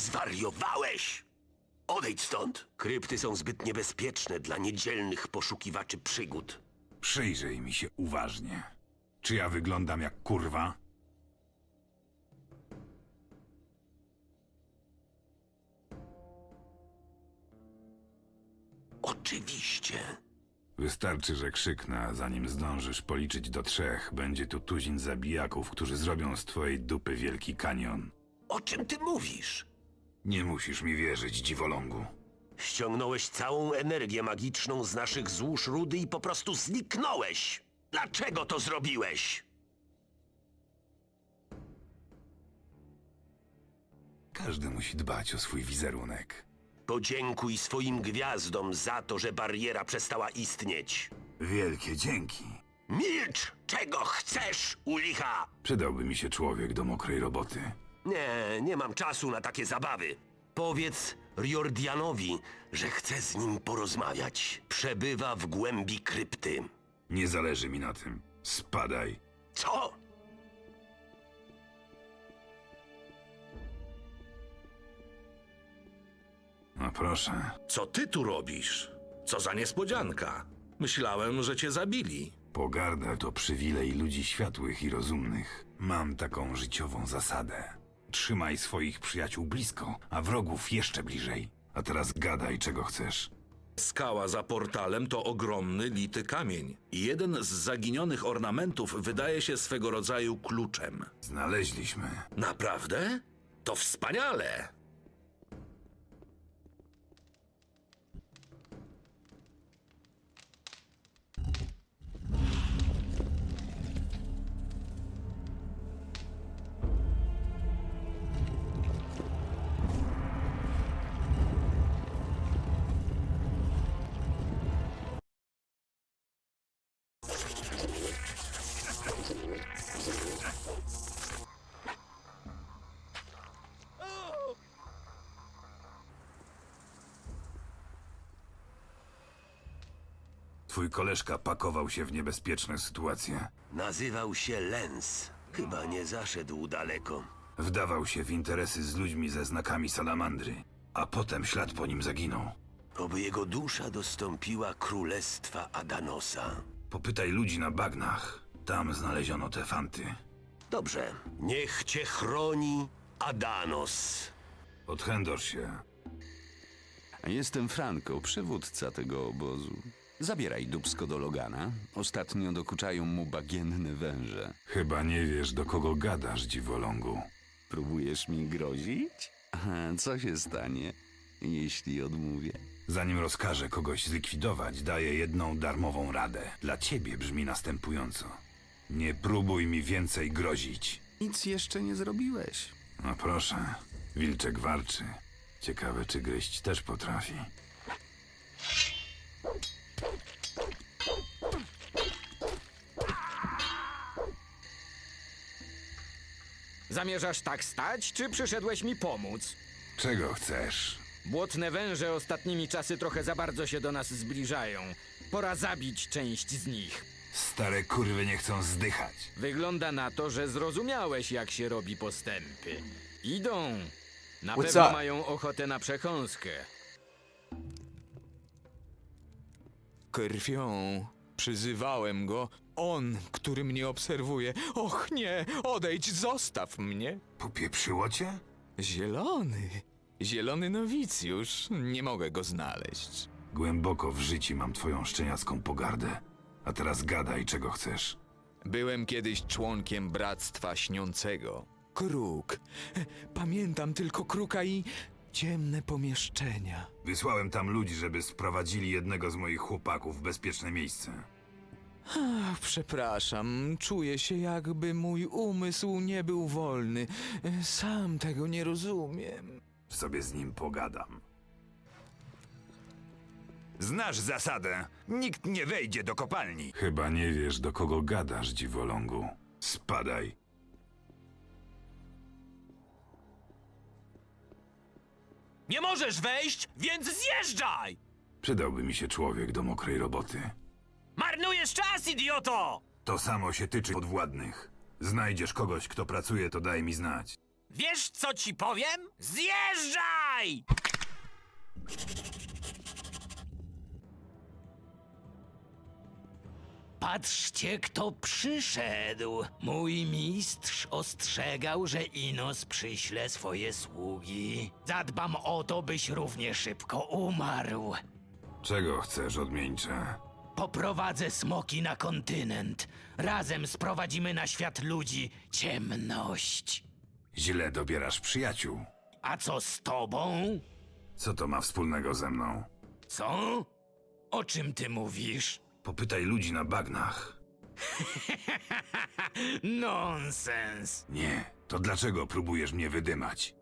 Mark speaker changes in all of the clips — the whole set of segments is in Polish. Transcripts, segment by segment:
Speaker 1: Zwariowałeś! Odejdź stąd. Krypty są zbyt niebezpieczne dla niedzielnych poszukiwaczy przygód.
Speaker 2: Przyjrzyj mi się uważnie. Czy ja wyglądam jak kurwa?
Speaker 1: Oczywiście.
Speaker 2: Wystarczy, że krzyknę, a zanim zdążysz policzyć do 3, będzie tu tuzin zabijaków, którzy zrobią z twojej dupy wielki kanion.
Speaker 1: O czym ty mówisz?
Speaker 2: Nie musisz mi wierzyć, dziwolągu.
Speaker 1: Ściągnąłeś całą energię magiczną z naszych złóż rudy i po prostu zniknąłeś. Dlaczego to zrobiłeś?
Speaker 2: Każdy musi dbać o swój wizerunek.
Speaker 1: Podziękuj swoim gwiazdom za to, że bariera przestała istnieć.
Speaker 2: Wielkie dzięki.
Speaker 1: Milcz! Czego chcesz, u licha?
Speaker 2: Przydałby mi się człowiek do mokrej roboty.
Speaker 1: Nie mam czasu na takie zabawy. Powiedz Riordianowi, że chcę z nim porozmawiać. Przebywa w głębi krypty.
Speaker 2: Nie zależy mi na tym. Spadaj.
Speaker 1: Co?
Speaker 2: No proszę.
Speaker 3: Co ty tu robisz? Co za niespodzianka. Myślałem, że cię zabili.
Speaker 2: Pogarda to przywilej ludzi światłych i rozumnych. Mam taką życiową zasadę. Trzymaj swoich przyjaciół blisko, a wrogów jeszcze bliżej. A teraz gadaj, czego chcesz.
Speaker 3: Skała za portalem to ogromny, lity kamień. I jeden z zaginionych ornamentów wydaje się swego rodzaju kluczem.
Speaker 2: Znaleźliśmy.
Speaker 3: Naprawdę? To wspaniale!
Speaker 2: Twój koleżka pakował się w niebezpieczne sytuacje.
Speaker 1: Nazywał się Lens. Chyba nie zaszedł daleko.
Speaker 2: Wdawał się w interesy z ludźmi ze znakami salamandry, a potem ślad po nim zaginął.
Speaker 1: Oby jego dusza dostąpiła królestwa Adanosa.
Speaker 2: Popytaj ludzi na bagnach. Tam znaleziono te fanty.
Speaker 1: Dobrze. Niech cię chroni Adanos.
Speaker 2: Odchędosz się.
Speaker 4: Jestem Franco, przywódca tego obozu. Zabieraj dubsko do Logana. Ostatnio dokuczają mu bagienne węże.
Speaker 2: Chyba nie wiesz, do kogo gadasz, dziwolągu.
Speaker 4: Próbujesz mi grozić? A co się stanie, jeśli odmówię?
Speaker 2: Zanim rozkażę kogoś zlikwidować, daję jedną darmową radę. Dla ciebie brzmi następująco. Nie próbuj mi więcej grozić.
Speaker 4: Nic jeszcze nie zrobiłeś.
Speaker 2: No proszę, wilczek warczy. Ciekawe, czy gryźć też potrafi.
Speaker 5: Zamierzasz tak stać, czy przyszedłeś mi pomóc?
Speaker 2: Czego chcesz?
Speaker 5: Błotne węże ostatnimi czasy trochę za bardzo się do nas zbliżają. Pora zabić część z nich.
Speaker 2: Stare kurwy nie chcą zdychać.
Speaker 5: Wygląda na to, że zrozumiałeś, jak się robi postępy. Idą. Na
Speaker 6: What's
Speaker 5: pewno
Speaker 6: up?
Speaker 5: mają ochotę na przekąskę.
Speaker 6: Krwią przyzywałem go. On, który mnie obserwuje. Och nie, odejdź, zostaw mnie.
Speaker 2: Popieprzyło cię?
Speaker 6: Zielony. Zielony nowicjusz. Nie mogę go znaleźć.
Speaker 2: Głęboko w życiu mam twoją szczeniacką pogardę. A teraz gadaj, czego chcesz.
Speaker 6: Byłem kiedyś członkiem Bractwa Śniącego. Kruk. Pamiętam tylko kruka i ciemne pomieszczenia.
Speaker 2: Wysłałem tam ludzi, żeby sprowadzili jednego z moich chłopaków w bezpieczne miejsce.
Speaker 6: Ach, przepraszam, czuję się, jakby mój umysł nie był wolny. Sam tego nie rozumiem.
Speaker 2: Sobie z nim pogadam. Znasz zasadę. Nikt nie wejdzie do kopalni. Chyba nie wiesz, do kogo gadasz, dziwolągu. Spadaj.
Speaker 7: Nie możesz wejść, więc zjeżdżaj!
Speaker 2: Przydałby mi się człowiek do mokrej roboty.
Speaker 7: Marnujesz czas, idioto!
Speaker 2: To samo się tyczy podwładnych. Znajdziesz kogoś, kto pracuje, to daj mi znać.
Speaker 7: Wiesz, co ci powiem? Zjeżdżaj!
Speaker 8: Patrzcie, kto przyszedł. Mój mistrz ostrzegał, że Inos przyśle swoje sługi. Zadbam o to, byś równie szybko umarł.
Speaker 2: Czego chcesz, odmieńcze?
Speaker 8: Poprowadzę smoki na kontynent. Razem sprowadzimy na świat ludzi ciemność.
Speaker 2: Źle dobierasz przyjaciół.
Speaker 8: A co z tobą?
Speaker 2: Co to ma wspólnego ze mną?
Speaker 8: Co? O czym ty mówisz?
Speaker 2: Popytaj ludzi na bagnach.
Speaker 8: Nonsens.
Speaker 2: Nie, to dlaczego próbujesz mnie wydymać?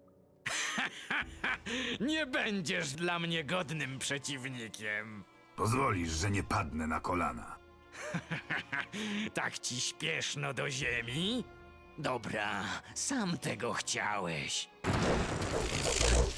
Speaker 8: Nie będziesz dla mnie godnym przeciwnikiem.
Speaker 2: Pozwolisz, że nie padnę na kolana.
Speaker 8: Tak ci śpieszno do ziemi? Dobra, sam tego chciałeś.